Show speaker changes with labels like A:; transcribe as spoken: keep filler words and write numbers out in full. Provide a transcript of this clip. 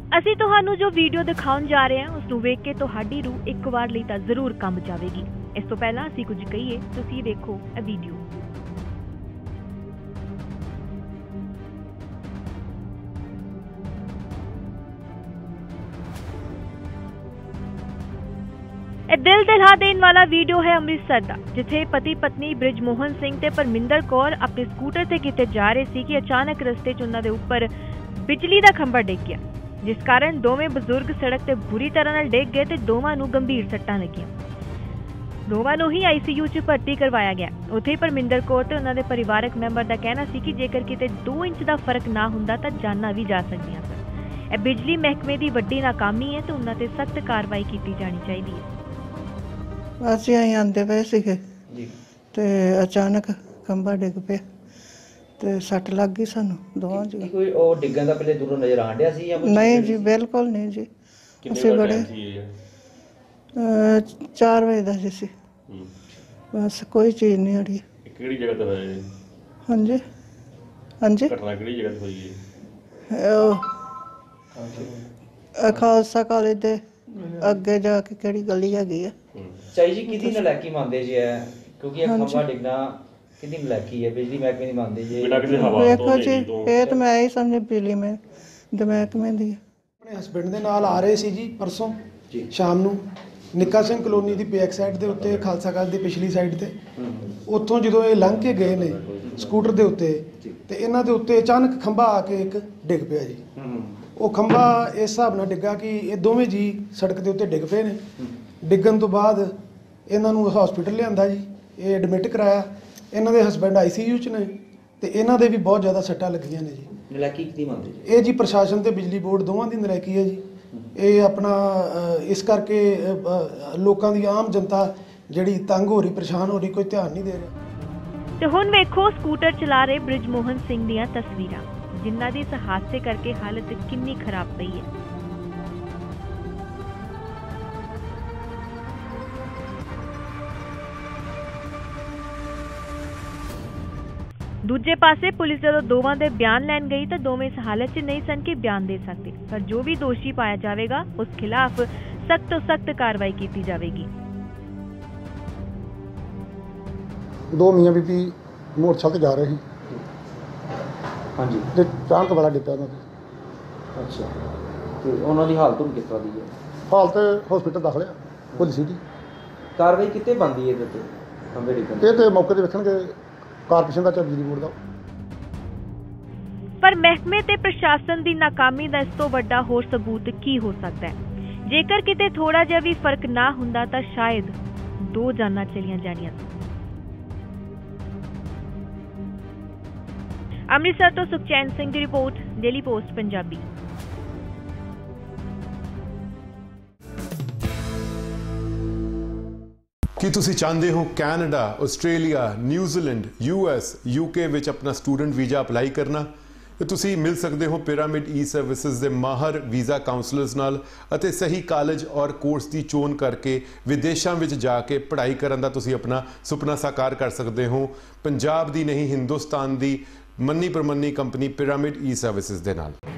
A: ਅਸੀਂ ਤੁਹਾਨੂੰ ਜੋ ਵੀਡੀਓ ਦਿਖਾਉਣ ਜਾ ਰਹੇ ਹਾਂ ਉਸ ਨੂੰ ਵੇਖ ਕੇ ਤੁਹਾਡੀ ਰੂਹ ਇੱਕ ਵਾਰ ਲਈ ਤਾਂ ਜ਼ਰੂਰ ਕੰਬ ਜਾਵੇਗੀ। ਇਸ ਤੋਂ ਪਹਿਲਾਂ ਅਸੀਂ ਕੁਝ ਕਹੀਏ, ਤੁਸੀਂ ਦੇਖੋ ਇਹ ਵੀਡੀਓ। ਇਹ ਦਿਲ ਦਿਲਾ ਦੇਣ ਵਾਲਾ ਵੀਡੀਓ ਹੈ ਅੰਮ੍ਰਿਤਸਰ ਦਾ, ਜਿੱਥੇ ਪਤੀ ਪਤਨੀ ਬ੍ਰਿਜ ਮੋਹਨ ਸਿੰਘ ਤੇ ਪਰਮਿੰਦਰ ਕੌਰ ਆਪਣੇ ਸਕੂਟਰ ਤੇ ਕਿਤੇ ਜਾ ਰਹੇ ਸੀ ਕਿ ਅਚਾਨਕ ਰਸਤੇ 'ਚ ਉਹਨਾਂ ਦੇ ਉੱਪਰ ਬਿਜਲੀ ਦਾ ਖੰਭਾ ਡਿੱਗ ਗਿਆ, ਜਿਸ ਕਾਰਨ ਦੋਵੇਂ ਬਜ਼ੁਰਗ ਸੜਕ ਤੇ ਬੁਰੀ ਤਰ੍ਹਾਂ ਨਾਲ ਡਿੱਗ ਗਏ ਤੇ ਦੋਵਾਂ ਨੂੰ ਗੰਭੀਰ ਸੱਟਾਂ ਲੱਗੀਆਂ। ਦੋਵਾਂ ਨੂੰ ਹੀ ਆਈ ਸੀ ਯੂ 'ਚ ਭਰਤੀ ਕਰਵਾਇਆ ਗਿਆ। ਉੱਥੇ ਹੀ ਪਰਮਿੰਦਰ ਕੌਰ ਤੇ ਉਹਨਾਂ ਦੇ ਪਰਿਵਾਰਕ ਮੈਂਬਰ ਦਾ ਕਹਿਣਾ ਸੀ ਕਿ ਜੇਕਰ ਕਿਤੇ ਦੋ ਇੰਚ ਦਾ ਫਰਕ ਨਾ ਹੁੰਦਾ ਤਾਂ ਜਾਨਾਂ ਵੀ ਜਾ ਸਕਦੀਆਂ ਸਨ। ਇਹ ਬਿਜਲੀ ਮਹਿਕਮੇ ਦੀ ਵੱਡੀ ਨਾਕਾਮੀ ਹੈ ਤੇ ਉਹਨਾਂ ਤੇ ਸਖਤ ਕਾਰਵਾਈ ਕੀਤੀ ਜਾਣੀ ਚਾਹੀਦੀ ਹੈ।
B: ਅਸੀਂ ਆਈ ਆਂਦੇ ਪਏ ਸੀਗੇ ਤੇ ਅਚਾਨਕ ਖੰਭਾ ਡਿੱਗ ਪਿਆ ਤੇ ਸੱਟ ਲੱਗ ਗਈ ਸਾਨੂੰ ਦੋਵਾਂ ਜੀ।
C: ਕੋਈ ਉਹ ਡਿੱਗਣ ਦਾ ਪਹਿਲੇ ਦੂਰੋਂ ਨਜ਼ਰ ਆਣ ਡਿਆ ਸੀ ਜਾਂ ਕੁਝ?
B: ਨਹੀਂ ਜੀ, ਬਿਲਕੁਲ ਨਹੀਂ ਜੀ। ਅਸੀਂ ਬੜੇ ਚਾਰ ਵਜੇ ਦਾ ਜੀ ਸੀ, ਬਸ ਕੋਈ ਚੀਜ਼ ਨਹੀਂ ਅੜੀ।
D: ਕਿਹੜੀ ਜਗ੍ਹਾ ਤੇ ਹੋਇਆ ਜੀ?
B: ਹਾਂਜੀ ਹਾਂਜੀ,
D: ਘਟਨਾ ਕਿਹੜੀ ਜਗ੍ਹਾ ਤੇ ਹੋਈ ਹੈ?
B: ਉਹ ਖਾਲਸਾ ਕਾਲਜ ਦੇ ਅੱਗੇ ਜਾ ਕੇ ਕਿਹੜੀ ਗਲੀ ਹੈਗੀ ਆ।
C: ਚਾਈ ਜੀ ਕਿਹਦੀ ਨਲਾਇਕੀ ਮੰਨਦੇ ਜੀ ਹੈ, ਕਿਉਂਕਿ ਇਹ ਖੰਭਾ ਡਿੱਗਣਾ ਕਿਹਦੀ ਨਲਾਇਕੀ ਹੈ? ਬਿਜਲੀ ਮਹਿਕਮੇ ਦੀ ਮੰਨਦੇ ਜੀ?
D: ਬਿਨਾਂ ਕਿਸੇ ਹਵਾ ਤੋਂ
B: ਵੇਖੋ ਜੀ, ਇਹ ਤਾਂ ਮੈਂ ਹੀ ਸਮਝ ਬਿਜਲੀ ਮੈਂ ਮਹਿਕਮੇ ਦੀ।
E: ਆਪਣੇ ਹਸਬੈਂਡ ਦੇ ਨਾਲ ਆ ਰਹੇ ਸੀ ਜੀ ਪਰਸੋਂ ਸ਼ਾਮ ਨੂੰ ਨਿੱਕਾ ਸਿੰਘ ਕਲੋਨੀ ਦੀ ਬੈਕ ਸਾਈਡ ਦੇ ਉੱਤੇ, ਖਾਲਸਾ ਕਾਲਜ ਦੀ ਪਿਛਲੀ ਸਾਈਡ ਤੇ। ਉੱਥੋਂ ਜਦੋਂ ਇਹ ਲੰਘ ਕੇ ਗਏ ਨੇ ਸਕੂਟਰ ਦੇ ਉੱਤੇ ਤੇ ਇਹਨਾਂ ਦੇ ਉੱਤੇ ਅਚਾਨਕ ਖੰਭਾ ਆ ਕੇ ਇੱਕ ਡਿੱਗ ਪਿਆ ਜੀ। ਉਹ ਖੰਭਾ ਇਸ ਹਿਸਾਬ ਨਾਲ ਡਿੱਗਾ ਕਿ ਇਹ ਦੋਵੇਂ ਜੀ ਸੜਕ ਦੇ ਉੱਤੇ ਡਿੱਗ ਪਏ ਨੇ। ਡਿੱਗਣ ਤੋਂ ਬਾਅਦ ਇਹਨਾਂ ਨੂੰ ਹਸਪੀਟਲ ਲਿਆਂਦਾ ਜੀ, ਇਹ ਐਡਮਿਟ ਕਰਾਇਆ। ਇਹਨਾਂ ਦੇ ਹਸਬੈਂਡ ਆਈ ਸੀ ਯੂ 'ਚ ਨੇ ਤੇ ਇਹਨਾਂ ਦੇ ਵੀ ਬਹੁਤ ਜ਼ਿਆਦਾ ਸੱਟਾਂ ਲੱਗੀਆਂ ਨੇ ਜੀ।
C: ਨਲਾਇਕੀ ਕਿਹਦੀ ਮੰਨਦੇ ਜੀ?
E: ਇਹ ਜੀ ਪ੍ਰਸ਼ਾਸਨ ਤੇ ਬਿਜਲੀ ਬੋਰਡ ਦੋਵਾਂ ਦੀ ਨਲਾਇਕੀ ਹੈ ਜੀ। ਇਹ ਆਪਣਾ ਇਸ ਕਰਕੇ ਲੋਕਾਂ ਦੀ ਆਮ ਜਨਤਾ ਜਿਹੜੀ ਤੰਗ ਹੋ ਰਹੀ, ਪਰੇਸ਼ਾਨ ਹੋ ਰਹੀ, ਕੋਈ ਧਿਆਨ ਨਹੀਂ ਦੇ ਰਿਹਾ।
A: ਤੇ ਹੁਣ ਵੇਖੋ ਸਕੂਟਰ ਚਲਾ ਰਹੇ ਬ੍ਰਿਜ ਮੋਹਨ ਸਿੰਘ ਦੀਆਂ ਤਸਵੀਰਾਂ, ਜਿਨ੍ਹਾਂ ਦੀ ਇਸ ਹਾਦਸੇ ਕਰਕੇ ਹਾਲਤ ਕਿੰਨੀ ਖਰਾਬ ਪਈ ਹੈ। ਦੂਜੇ ਪਾਸੇ ਪੁਲਿਸ ਜਦੋਂ ਦੋਵਾਂ ਦੇ ਬਿਆਨ ਲੈਣ ਗਈ ਤਾਂ ਦੋਵੇਂ ਇਸ ਹਾਲਤ 'ਚ ਨਹੀਂ ਸਨ ਕਿ ਬਿਆਨ ਦੇ ਸਕਦੇ, ਪਰ ਜੋ ਵੀ ਦੋਸ਼ੀ ਪਾਇਆ ਜਾਵੇਗਾ ਉਸ ਖਿਲਾਫ ਸਖਤ ਤੋਂ ਸਖਤ ਕਾਰਵਾਈ ਕੀਤੀ ਜਾਵੇਗੀ।
F: ਦੋ ਮੀਆਂ ਬੀਬੀ ਮੋਟਰਸਾਈਕਲ ਤੇ ਜਾ ਰਹੇ ਸੀ
C: ਹਾਂਜੀ
F: ਤੇ ਅਚਾਨਕ ਬੜਾ ਡਿੱਪਿਆ ਉਹਨਾਂ ਦੀ।
C: ਅੱਛਾ, ਤੇ ਉਹਨਾਂ ਦੀ ਹਾਲਤ ਹੁਣ ਕਿਸ ਤਰ੍ਹਾਂ ਦੀ ਹੈ?
F: ਹਾਲਤ ਹਸਪੀਟਲ ਦਾਖਲ ਆ ਪੁਲਿਸ ਦੀ।
C: ਕਾਰਵਾਈ ਕਿਤੇ ਬਣਦੀ ਹੈ ਇਹਦੇ ਤੇ ਖੰਭੇ ਡਿੱਗਣ?
F: ਇਹ ਤੇ ਮੌਕੇ ਤੇ ਵੇਖਣਗੇ ਕਾਰਪੋਰੇਸ਼ਨ ਦਾ ਜਾਂ ਬਿਜਲੀ ਬੋਰਡ ਦਾ।
A: ਪਰ ਮਹਿਕਮੇ ਤੇ ਪ੍ਰਸ਼ਾਸਨ ਦੀ ਨਾਕਾਮੀ ਦਾ ਇਸ ਤੋਂ ਵੱਡਾ ਹੋਰ ਸਬੂਤ ਕੀ ਹੋ ਸਕਦਾ ਹੈ? ਜੇਕਰ ਕਿਤੇ ਥੋੜਾ ਜਿਹਾ ਵੀ ਫਰਕ ਨਾ ਹੁੰਦਾ ਤਾਂ ਸ਼ਾਇਦ ਦੋ ਜਾਨਾਂ ਚਲੀਆਂ ਜਾਣੀਆਂ। ਅੰਮ੍ਰਿਤਸਰ ਤੋਂ ਸੁਖਚੈਨ ਸਿੰਘ ਦੀ ਰਿਪੋਰਟ, ਡੇਲੀ ਪੋਸਟ ਪੰਜਾਬੀ।
G: ਕੀ ਤੁਸੀਂ ਚਾਹੁੰਦੇ ਹੋ Canada, Australia, New Zealand, U S, U K ਵਿੱਚ ਆਪਣਾ ਸਟੂਡੈਂਟ ਵੀਜ਼ਾ ਅਪਲਾਈ ਕਰਨਾ? ਤੇ ਤੁਸੀਂ ਮਿਲ ਸਕਦੇ ਹੋ ਪਿਰਾਮਿਡ ਈ ਸਰਵਿਸਿਜ਼ ਦੇ ਮਾਹਰ ਵੀਜ਼ਾ ਕਾਉਂਸਲਰਸ ਨਾਲ ਅਤੇ ਸਹੀ ਕਾਲਜ ਔਰ ਕੋਰਸ ਦੀ ਚੋਣ ਕਰਕੇ ਵਿਦੇਸ਼ਾਂ ਵਿੱਚ ਜਾ ਕੇ ਪੜ੍ਹਾਈ ਕਰਨ ਦਾ ਤੁਸੀਂ ਆਪਣਾ ਸੁਪਨਾ ਸਾਕਾਰ ਕਰ ਸਕਦੇ ਹੋ। ਪੰਜਾਬ ਦੀ ਨਹੀਂ, ਹਿੰਦੁਸਤਾਨ ਦੀ ਮੰਨੀ ਪ੍ਰਮੰਨੀ ਕੰਪਨੀ ਪਿਰਾਮਿਡ ਈ ਸਰਵਿਸਿਜ਼ ਦੇ ਨਾਲ।